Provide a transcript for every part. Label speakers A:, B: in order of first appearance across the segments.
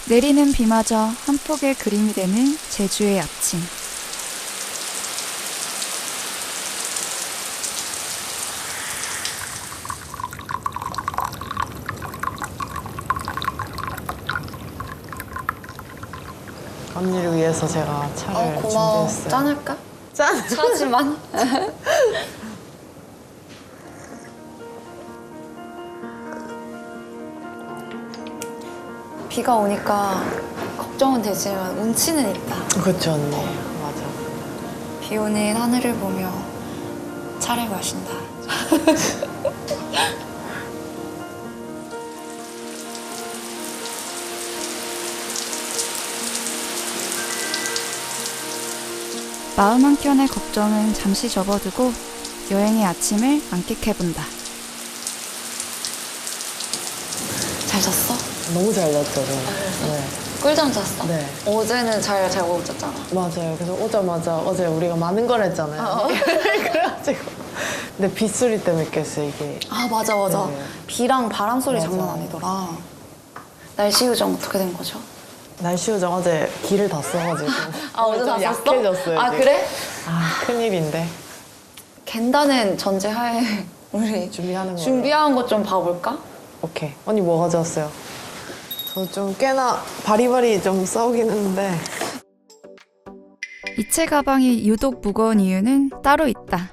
A: 내리는 비마저 한 폭의 그림이 되는 제주의 아침.
B: 언니를 위해서 제가 차를
C: 고마워.
B: 준비했어요.
C: 짠할까?
B: 짠!
C: 차지만. 비가 오니까 걱정은 되지만 운치는 있다.
B: 그렇죠, 언니. 맞아.
C: 비 오는 하늘을 보며 차를 마신다.
A: 마음 한켠의 걱정은 잠시 접어두고 여행의 아침을 만끽해본다.
C: 잘 잤어?
B: 너무 잘 잤죠, 저는. 네.
C: 꿀잠 잤어?
B: 네.
C: 어제는 잘 자고 잤잖아.
B: 맞아요. 그래서 오자마자 어제 우리가 많은 걸 했잖아요. 그래가지고. 근데 빗소리 때문에 깼어요, 이게.
C: 아, 맞아, 맞아.
B: 네.
C: 비랑 바람 소리
B: 맞아.
C: 장난 아니더라. 날씨 요정 어떻게 된 거죠?
B: 날씨 요정 어제 길을 다 써가지고.
C: 아, 어제
B: 좀
C: 다 썼어?
B: 약해졌어요.
C: 아,
B: 지금.
C: 그래?
B: 아, 큰일인데.
C: 겐다는 전제하에 우리
B: 준비하는 거.
C: 준비한 것 좀 봐볼까?
B: 오케이. 언니 뭐 가져왔어요? 저 좀 꽤나 바리바리 좀 싸우긴 했는데.
A: 이체 가방이 유독 무거운 이유는 따로 있다.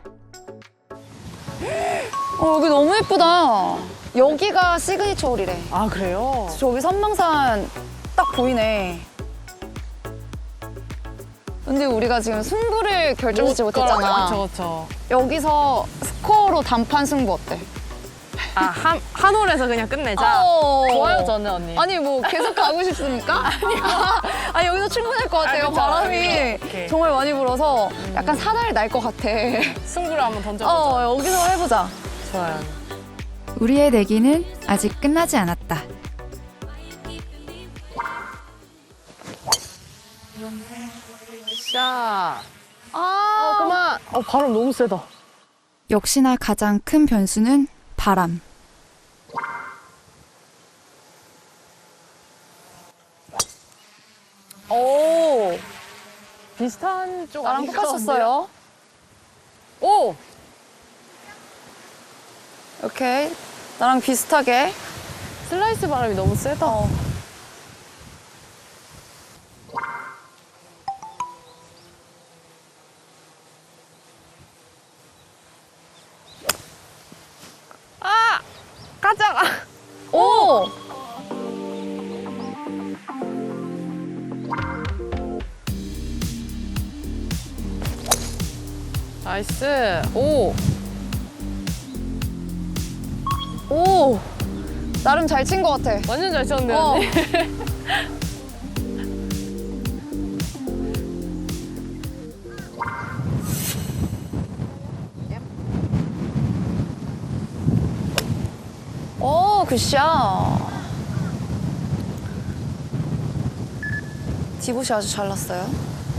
C: 여기 너무 예쁘다. 여기가 시그니처 홀이래.
B: 아, 그래요?
C: 저기 선망산 딱 보이네. 근데 우리가 지금 승부를 결정짓지 못했잖아.
B: 그쵸.
C: 여기서 스코어로 단판 승부 어때?
D: 아, 한 홀에서 그냥 끝내자? 좋아요, 저는 언니.
C: 아니, 뭐 계속 가고 싶습니까? 아니, 여기서 충분할 것 같아요.
D: 그쵸.
C: 바람이
D: 오케이.
C: 정말 많이 불어서 약간 사달이 날 것 같아.
D: 승부를 한번 던져보자.
C: 여기서 해보자.
D: 좋아요.
A: 우리의 내기는 아직 끝나지 않았다.
D: 샷.
C: 그만.
D: 바람 너무 세다.
A: 역시나 가장 큰 변수는 바람.
C: 오,
D: 비슷한 쪽
C: 나랑
D: 아닌가
C: 똑같았어요.
D: 오!
C: 오케이. 나랑 비슷하게.
D: 슬라이스 바람이 너무 세다. 아! 가자!
C: 오!
D: 나이스. 오!
C: 오! 나름 잘 친 것 같아.
D: 완전 잘 쳤는데,
C: 어.
D: 언니.
C: 오, 굿샷. 디봇이 아주 잘 났어요.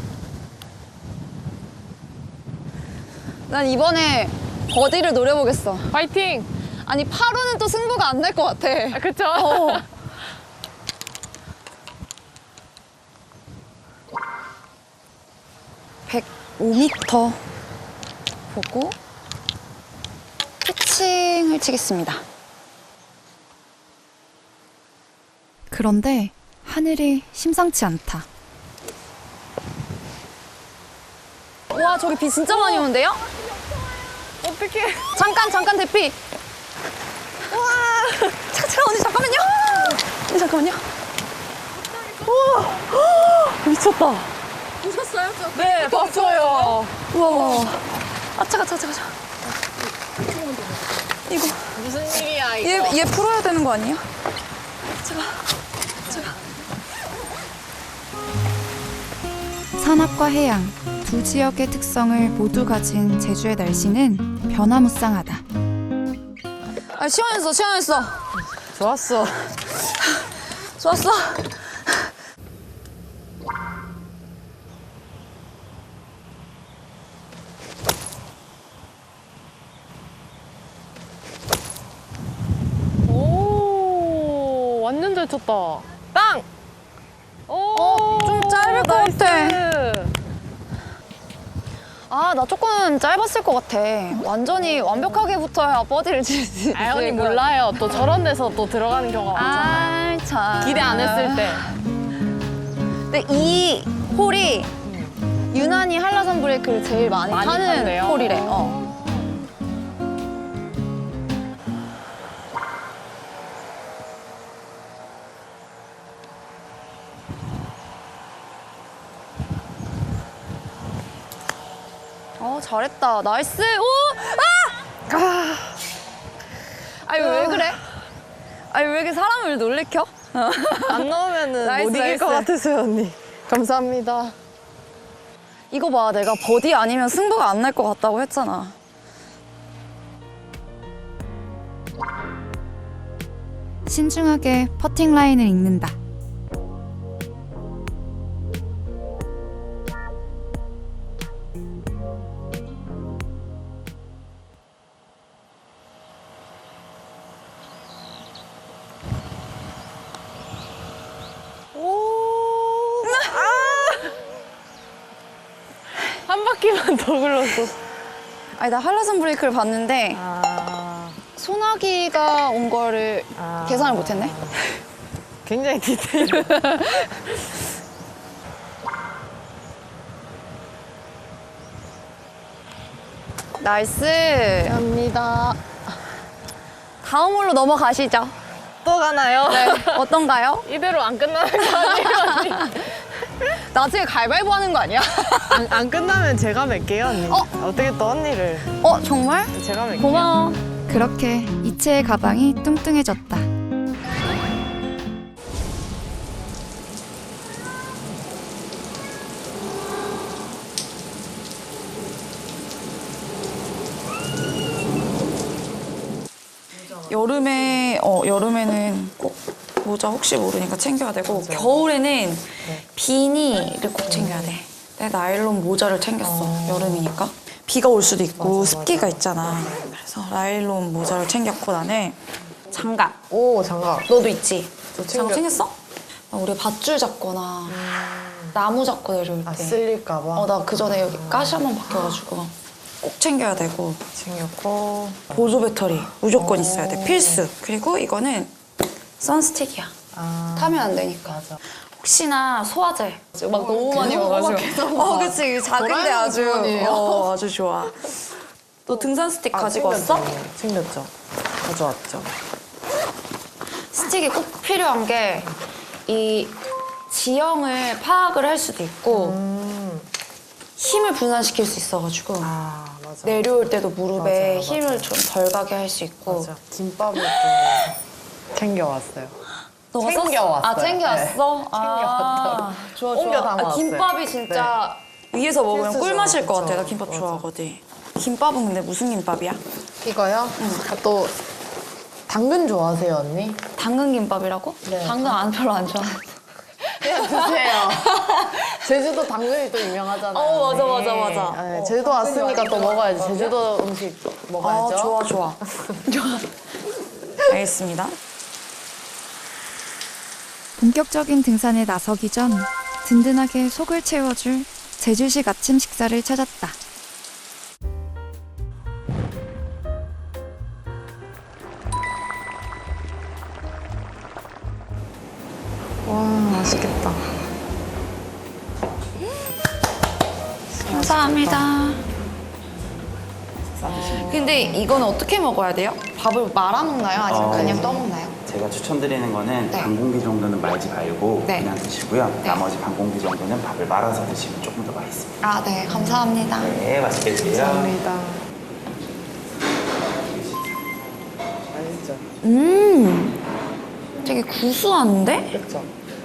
C: 난 이번에 버디를 노려보겠어.
D: 파이팅!
C: 아니, 파로는 또 승부가 안 날 것 같아.
D: 아, 그쵸?
C: 105m 보고 피칭을 치겠습니다.
A: 그런데 하늘이 심상치 않다.
C: 와, 저기 비 진짜 많이 오는데요?
D: 어떡해.
C: 잠깐 대피. 와, 잠깐 언니 잠깐만요. 언니 잠깐만요.
D: 미쳤다.
C: 보셨어요?
D: 네, 봤어요.
C: 우와. 아, 차가. 이거
D: 무슨 일이야, 이거.
C: 얘 풀어야 되는 거 아니에요? 제가.
A: 산악과 해양 두 지역의 특성을 모두 가진 제주의 날씨는 변화무쌍하다.
C: 아, 시원했어.
D: 좋았어.
C: 좋았어.
D: 오, 완전 잘 쳤다. 땅!
A: 것 같아.
C: 아, 나 조금 짧았을 것 같아. 완전히 완벽하게 붙어야 버디를 칠 수 있어.
D: 아, 언니 몰라요. 또 저런 데서 또 들어가는 경우가 많잖아.
C: 아, 참.
D: 기대 안 했을 때.
C: 근데 이 홀이 유난히 한라산 브레이크를 제일 많이
D: 많이
C: 타는
D: 탄대요?
C: 홀이래. 잘했다. 나이스. 오! 아! 아니, 왜 그래? 아니, 왜 이렇게 사람을 놀래켜?
D: 안 넣으면은
C: 나이스,
D: 못 이길 것
C: 나이스.
D: 같으세요, 언니. 감사합니다.
C: 이거 봐, 내가 버디 아니면 승부가 안 날 것 같다고 했잖아.
A: 신중하게 퍼팅 라인을 읽는다.
D: 한 바퀴만 더 굴렀어.
C: 아니, 나 한라산 브레이크를 봤는데
D: 아,
C: 소나기가 온 거를 계산을 못했네.
D: 굉장히 디테일.
C: 나이스.
D: 감사합니다.
C: 다음 홀로 넘어가시죠.
D: 또 가나요?
C: 네, 어떤가요?
D: 이대로 안 끝나는 거 아니에요, 언니?
C: 나중에 가위바위보 하는 거 아니야?
D: 안 끝나면 제가 맬게요, 언니. 어떻게 또 언니를.
C: 정말?
D: 제가 맬게요.
C: 고마워.
A: 그렇게 이채의 가방이 뚱뚱해졌다.
C: 여름에는 꼭 모자 혹시 모르니까 챙겨야 되고 겨울에는 비니를 꼭 챙겨야 돼. 내 나일론 모자를 챙겼어. 여름이니까. 비가 올 수도 있고 습기가 있잖아. 그래서 나일론 모자를 챙겼고 나는 장갑.
B: 오, 장갑.
C: 너도 있지?
B: 저
C: 장갑 챙겼어? 우리 밧줄 잡거나 나무 잡고 내려올 때.
B: 쓸릴까봐.
C: 나 그 전에 여기 가시 한 번 박혀가지고 꼭 챙겨야 되고.
B: 챙겼고.
C: 보조 배터리 무조건 있어야 돼. 필수. 그리고 이거는 선스틱이야. 타면 안 되니까.
B: 맞아.
C: 혹시나 소화제 막 너무 많이 먹어가지고. 그치. 작은데
B: 도라에몽
C: 아주.
B: 주머니예요.
C: 아주 좋아. 너 등산 스틱 가지고 왔어?
B: 챙겼죠. 가져왔죠.
C: 스틱이 꼭 필요한 게 이 지형을 파악을 할 수도 있고 힘을 분산시킬 수 있어가지고
B: 아, 맞아.
C: 내려올 때도 무릎에
B: 맞아,
C: 힘을 좀 덜 가게 할 수 있고.
B: 맞아. 김밥을 또 챙겨왔어요.
C: 너가
B: 챙겨왔어요.
C: 아, 챙겨왔어?
B: 네. 챙겨왔다고.
C: 좋아,
B: 옮겨
C: 좋아.
B: 담아왔어요.
C: 김밥이 진짜 위에서 먹으면
B: 필수죠.
C: 꿀맛일 것 같아. 나
B: 그쵸.
C: 김밥
B: 맞아.
C: 좋아하거든. 김밥은 근데 무슨 김밥이야?
B: 이거요? 또 당근 좋아하세요, 언니?
C: 당근 김밥이라고?
B: 네.
C: 당근 별로 안 좋아해.
B: 그냥 드세요. 제주도 당근이 또 유명하잖아요.
C: 맞아,
B: 언니.
C: 맞아, 맞아.
B: 네, 제주도 왔으니까 또 먹어야지. 제주도 음식 먹어야죠.
C: 좋아, 좋아. 좋아. 알겠습니다.
A: 본격적인 등산에 나서기 전 든든하게 속을 채워줄 제주식 아침 식사를 찾았다.
B: 와, 맛있겠다.
C: 감사합니다. 근데 이거는 어떻게 먹어야 돼요? 밥을 말아 먹나요? 아니면 그냥 떠 먹나요?
E: 제가 추천드리는 거는
C: 네.
E: 반 공기 정도는 말지 말고
C: 네.
E: 그냥 드시고요.
C: 네.
E: 나머지 반 공기 정도는 밥을 말아서 드시면 조금 더 맛있습니다.
C: 아, 네. 감사합니다.
E: 네, 맛있게 드세요.
B: 감사합니다. 맛있죠?
C: 되게 구수한데?
B: 그렇죠?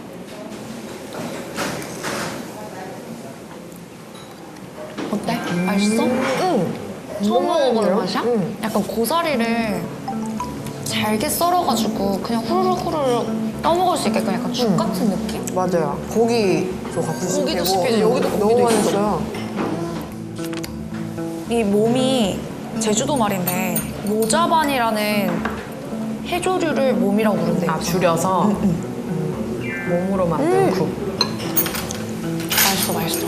C: 어때? 맛있어? 처음 먹어보는 맛이야?
B: 응.
C: 약간 고사리를 잘게 썰어가지고 그냥 후루룩 후루룩 떠먹을 수 있게끔 약간 죽 같은 느낌?
B: 맞아요. 고기도 같이
C: 고기도
B: 씹히고.
C: 씹히죠. 여기도
B: 너무
C: 고기도
B: 맛있어요.
C: 이 몸이 제주도 말인데 모자반이라는 해조류를 몸이라고 부른대요.
B: 줄여서 몸으로 만든 국.
C: 맛있어, 맛있어.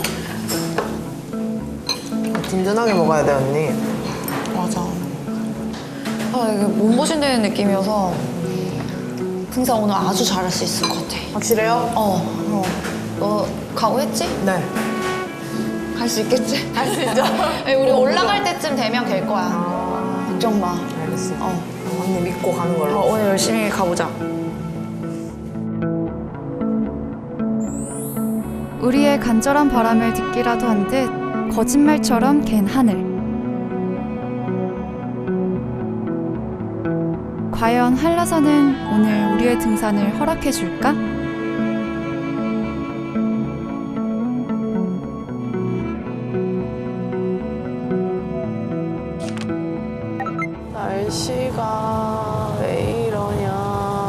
B: 든든하게 먹어야 돼, 언니.
C: 맞아. 아, 이게 몸보신되는 느낌이어서 등산 오늘 아주 잘할 수 있을 것 같아.
B: 확실해요?
C: 너 각오했지?
B: 네.
C: 갈 수 있겠지? 갈 수 있죠. 우리 올라갈 때쯤 되면 될 거야. 걱정 마.
B: 알겠어. 언니 믿고 가는 걸로.
C: 오늘 열심히 가보자.
A: 우리의 간절한 바람을 듣기라도 한 듯 거짓말처럼 갠 하늘. 과연 한라산은 오늘 우리의 등산을 허락해 줄까?
B: 날씨가 왜 이러냐.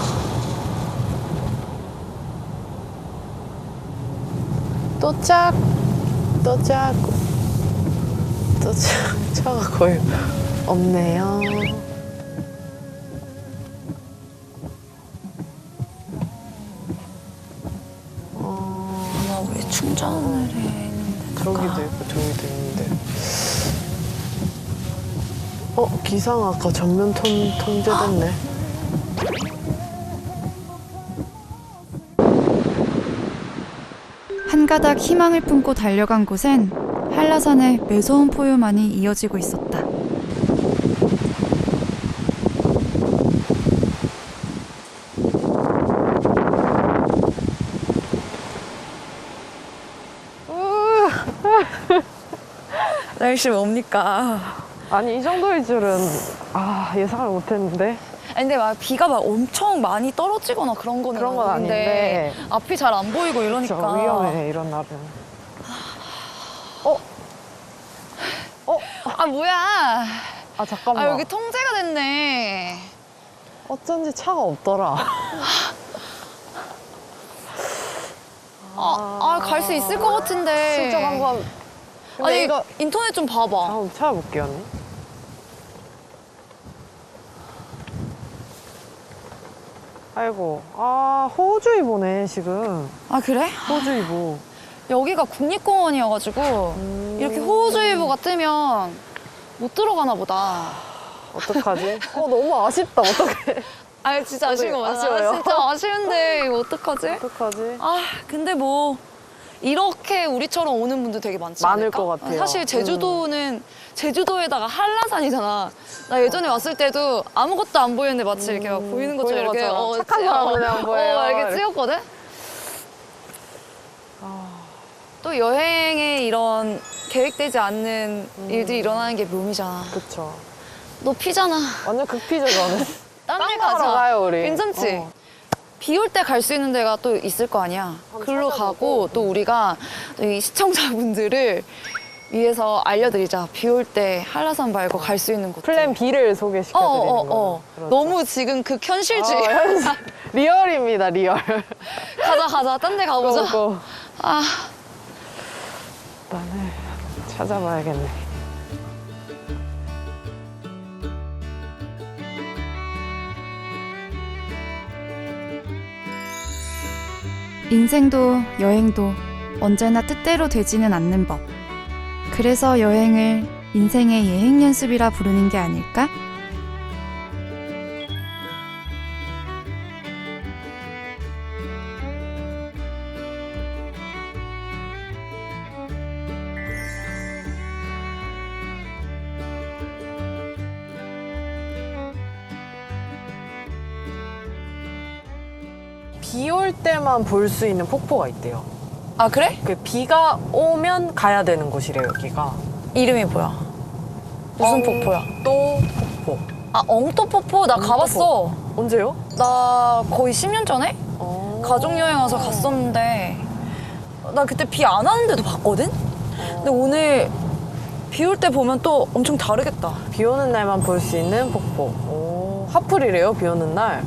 B: 도착. 차가 거의 없네요.
C: 나 왜 충전을 해 있는데?
B: 저기도 있고 저기도 있는데. 기상 아까 전면 통제됐네.
A: 한 가닥 희망을 품고 달려간 곳엔 한라산의 매서운 포유만이 이어지고 있었다.
C: 날씨 뭡니까?
B: 아니 이 정도일 줄은 예상을 못했는데.
C: 아니, 근데 막 비가 막 엄청 많이 떨어지거나 그런 거는
B: 그런 건 아닌데.
C: 앞이 잘 안 보이고 이러니까
B: 저 위험해 이런 날은.
C: 아 뭐야?
B: 잠깐만.
C: 여기 통제가 됐네.
B: 어쩐지 차가 없더라.
C: 갈 수 있을 것 같은데.
B: 슬쩍 한번. 근데
C: 아니
B: 이거
C: 인터넷 좀 봐봐.
B: 한번 찾아볼게요 언니. 아이고, 호우주의보네 지금.
C: 아 그래?
B: 호우주의보.
C: 여기가 국립공원이어가지고 이렇게 호우주의보가 뜨면 못 들어가나 보다.
B: 어떡하지? 너무 아쉽다. 어떡해.
C: 아 진짜 아쉬운 거 맞아.
B: 아쉬워요.
C: 진짜 아쉬운데 이거 어떡하지?
B: 어떡하지?
C: 근데 뭐 이렇게 우리처럼 오는 분들 되게 많지
B: 많을
C: 않을까?
B: 것 같아요.
C: 사실 제주도는 제주도에다가 한라산이잖아. 나 예전에 왔을 때도 아무것도 안 보이는데 마치 이렇게 막 보이는 것처럼
B: 보이는
C: 이렇게
B: 것처럼 착한 사람은 안 보여요.
C: 이렇게 찍었거든? 또 여행에 이런 계획되지 않는 일들이 일어나는 게 묘미잖아.
B: 그쵸.
C: 너 피잖아.
B: 완전 극피죠 저는.
C: 딴 데
B: 먹으러
C: 가자.
B: 가요, 우리.
C: 괜찮지? 비 올 때 갈 수 있는 데가 또 있을 거 아니야. 글로 가고 또 우리가 이 시청자분들을 위해서 알려드리자. 비 올 때 한라산 말고 갈 수 있는 곳.
B: 플랜 B를 소개시켜드리는 거죠. 그렇죠.
C: 너무 지금 극현실주의.
B: 리얼입니다, 리얼.
C: 가자. 딴 데 가보자.
B: 고고.
C: 아,
B: 일단은 찾아봐야겠네.
A: 인생도 여행도 언제나 뜻대로 되지는 않는 법. 그래서 여행을 인생의 예행 연습이라 부르는 게 아닐까?
B: 비 올 때만 볼 수 있는 폭포가 있대요.
C: 아 그래?
B: 그 비가 오면 가야 되는 곳이래요, 여기가.
C: 이름이 뭐야? 무슨 폭포야?
B: 또 폭포.
C: 엉또폭포 나 가봤어.
B: 언제요?
C: 나 거의 10년 전에 가족여행 와서 갔었는데 나 그때 비 안 왔는데도 봤거든? 근데 오늘 비 올 때 보면 또 엄청 다르겠다.
B: 비 오는 날만 볼 수 있는 폭포. 하플이래요, 비 오는 날.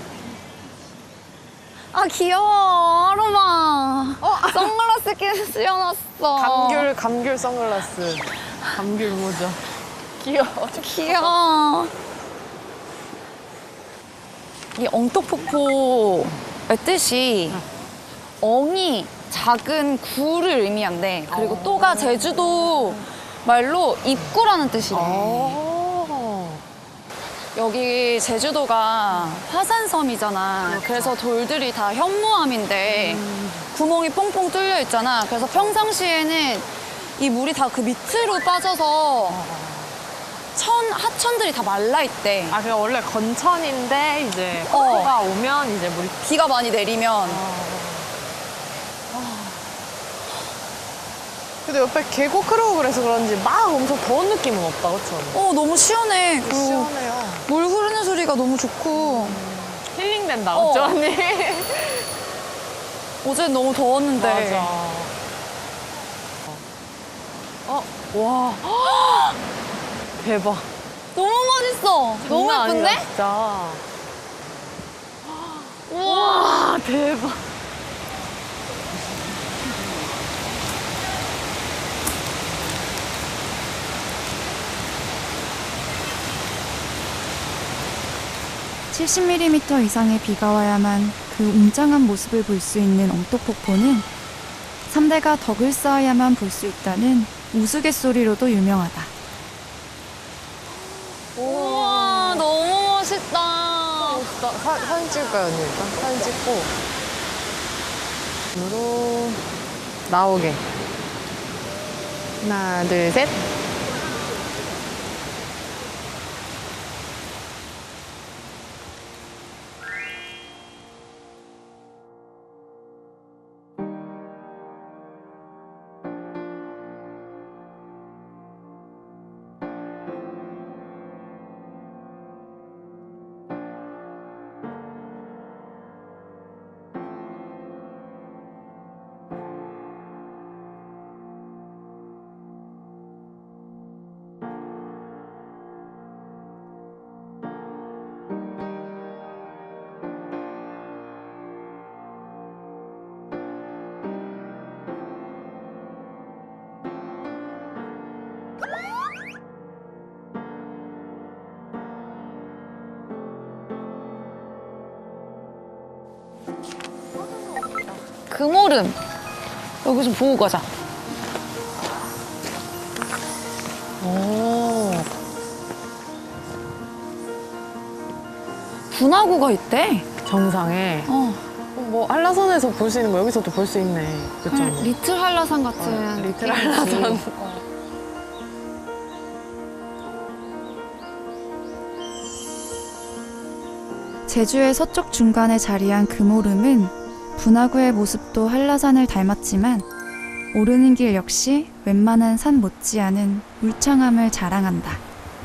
C: 귀여워 아로마. 선글라스 씌워놨어.
B: 감귤 선글라스. 감귤 모자. 귀여워.
C: 귀여워. 이 엉떡폭포의 뜻이 엉이 작은 구를 의미한대. 그리고 또가 제주도 말로 입구라는 뜻이래. 여기 제주도가 화산섬이잖아. 그래서 돌들이 다 현무암인데 구멍이 퐁퐁 뚫려 있잖아. 그래서 평상시에는 이 물이 다 그 밑으로 빠져서 하천들이 다 말라 있대.
D: 아, 그냥 원래 건천인데 이제
C: 어.
D: 폭우가 오면 이제 물이
C: 비가 많이 내리면.
B: 근데 옆에 계곡 흐르고 그래서 그런지 막 엄청 더운 느낌은 없다, 그쵸?
C: 너무 시원해. 그리고
B: 시원해요.
C: 물 흐르는 소리가 너무 좋고.
D: 힐링된다,
C: 어.
D: 그쵸, 언니?
C: 어제는 너무 더웠는데.
D: 맞아. 와. 대박.
C: 너무 멋있어. 너무
D: 장난
C: 예쁜데?
D: 아니다, 진짜. 우와, 대박.
A: (70mm) 이상의 비가 와야만 그 웅장한 모습을 볼 수 있는 엉떡폭포는 3대가 덕을 쌓아야만 볼 수 있다는 우스갯소리로도 유명하다.
C: 우와, 너무 멋있다.
B: 사진 찍을까요, 언니? 일단 사진 찍고. 으로 나오게. 하나, 둘, 셋.
C: 금오름. 여기 좀 보고 가자.
B: 오.
C: 분화구가 있대.
B: 정상에. 뭐 한라산에서 볼 수 있는 거 여기서도 볼 수 있네. 그쵸? 언니?
C: 리틀 한라산 같은.
B: 리틀
C: 느낌이지.
B: 한라산.
A: 제주의 서쪽 중간에 자리한 금오름은 분화구의 모습도 한라산을 닮았지만 오르는 길 역시 웬만한 산 못지않은 울창함을 자랑한다.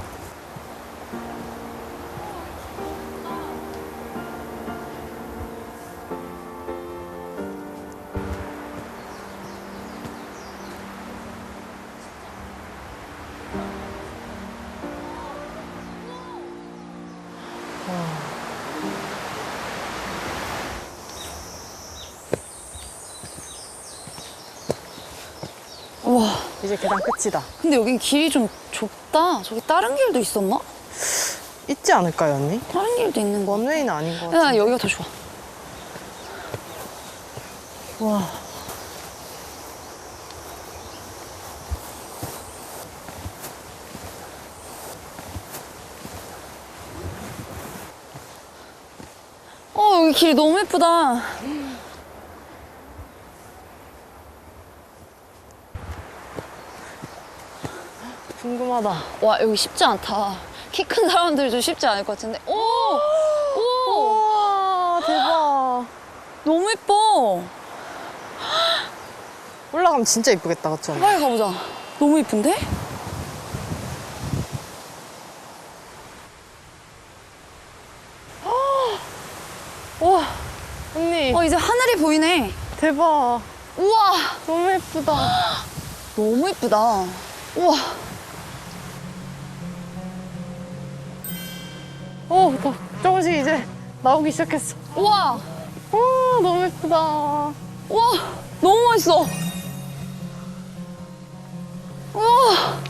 C: 우와.
B: 이제 계단 끝이다.
C: 근데 여긴 길이 좀 좁다. 저기 다른 길도 있었나?
B: 있지 않을까요, 언니?
C: 다른 길도 있는 거.
B: 원웨이는 아닌 것
C: 야,
B: 같아.
C: 여기가 더 좋아.
B: 와.
C: 여기 길 너무 예쁘다.
B: 궁금하다.
C: 와, 여기 쉽지 않다. 키 큰 사람들도 쉽지 않을 것 같은데. 오! 오!
B: 우와, 대박.
C: 너무 예뻐.
B: 올라가면 진짜 이쁘겠다, 그쵸? 언니?
C: 빨리 가보자. 너무 예쁜데?
B: 와, 언니.
C: 이제 하늘이 보이네.
B: 대박.
C: 우와!
B: 너무 예쁘다.
C: 너무 예쁘다. 우와!
B: 더 조금씩 이제 나오기 시작했어.
C: 우와!
B: 와, 너무 예쁘다.
C: 우와! 너무 멋있어. 우와!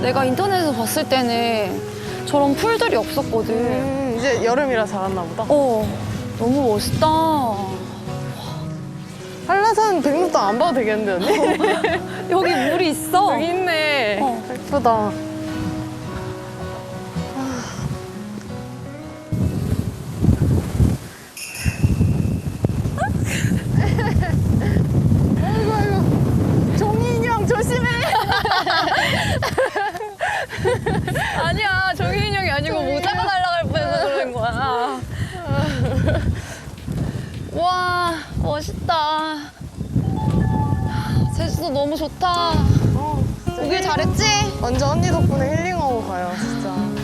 C: 내가 인터넷에서 봤을 때는 저런 풀들이 없었거든.
B: 이제 여름이라 자랐나 보다.
C: 너무 멋있다.
B: 한라산 백록도 안 봐도 되겠는데 언니?
C: 여기 물이 있어.
B: 여기 있네. 예쁘다. 아이고 아이고. 종이 인형 조심해.
C: 아니야, 종이 인형이 아니고 모자가 날아갈 뻔해서 그런 거야. 와, 멋있다. 제주도 너무 좋다. 오길 잘했지?
B: 완전 언니 덕분에 힐링하고 가요 진짜.